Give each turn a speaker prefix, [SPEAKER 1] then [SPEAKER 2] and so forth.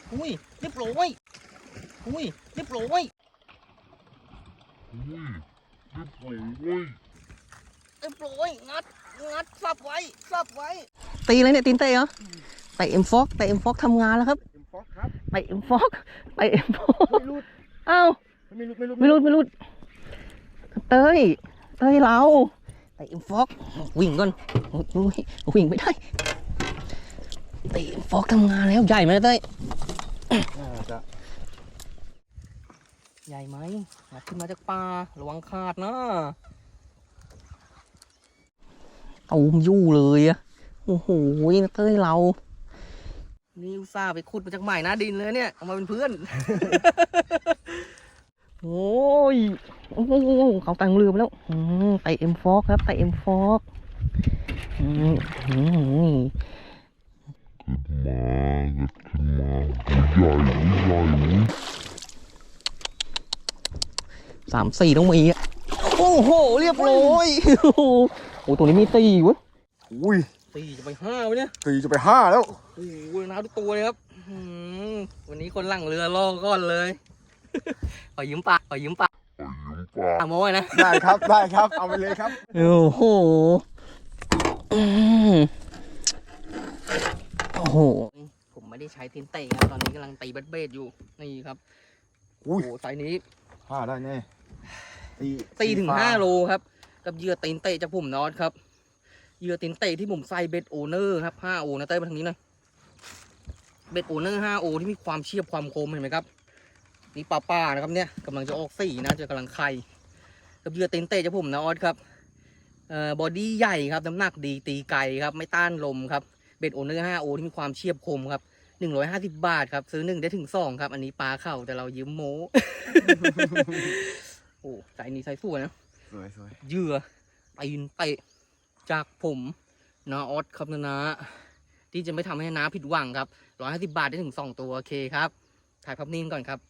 [SPEAKER 1] อุ้ยเรียบร้อยอุ้ยเรียบร้อยเรียบร้อยงัดสับไว้ตีเลยเนี่ยตีนเตะเหรอเตะเอ็มฟอกทำงานแล้วครับเอ็มฟอกครับเตะเอ็มฟอกไม่รุดอ้าวไม่รุดเต้ยเราเตะเอ็มฟอกวิ่งก่อนวิ่งไม่ได้เตะเอ็มฟอกทำงานแล้วใหญ่ไหมเต้ยใหญ่ไหมงัดขึ้นมาจากป่าระวังขาดนะตูมยู่เลยอะโอ้โหเต้ยเรานี่อุตส่าห์ไปขุดมาจากใหม่นะดินเลยเนี่ยเอามาเป็นเพื่อน โอ้ยเขาแต่งเรือไปแล้วไตเอ็มฟอกครับไตเอ็มฟอก3-4ต้องมีอ่ะโอ้โหเรียบร้อยโอ้โหตัวนี้มีตีเว้ย
[SPEAKER 2] อุ้ย
[SPEAKER 1] ตีจะไป5วะเนี่ย
[SPEAKER 2] ตีจะไป5แล้ว
[SPEAKER 1] โอ้โหน้ำทุกตัวเลยครับวันนี้คนหลังเรือล่อก้อนเลยขอยืมปากโม้ยนะ
[SPEAKER 2] ได้ครับเอาไปเลยครับ
[SPEAKER 1] โอ้โหผมไม่ได้ใช้ตีนเตะครับตอนนี้กำลังตีเบ็ดอยู่นี่ครับโอ้โหไซส์นี้
[SPEAKER 2] 5ได้แน่
[SPEAKER 1] ตีถึง5 โลครับกับเหยื่อตีนเตะจากผมนอตครับเหยื่อตีนเตะที่ผมใส่เบ็ดโอเนอร์ครับ5 โอนะเต้ยมาทางนี้หน่อยเบ็ดโอเนอร์5 โอที่มีความเฉียบความคมเห็นไหมครับนี่ป้านะครับเนี่ยกำลังจะออกสีนะจะกำลังไข่กับเหยื่อตีนเตะจากผมนะออสครับบอดี้ใหญ่ครับน้ำหนักดีตีไกลครับไม่ต้านลมครับเบ็ดโอเนอร์5 โอที่มีความเฉียบคมครับ150 บาทครับซื้อ1ได้ถึง2ครับอันนี้ปลาเข่าแต่เรายืมโม้ โอ้ใส่นี้ใส่สวยนะ
[SPEAKER 2] สวย
[SPEAKER 1] เหยื่อตีนเตะจากผมนะออสครับนะที่จะไม่ทำให้น้าผิดหวังครับ150 บาทได้ถึง2 ตัวโอเคครับถ่ายภาพนิ่งก่อนครับ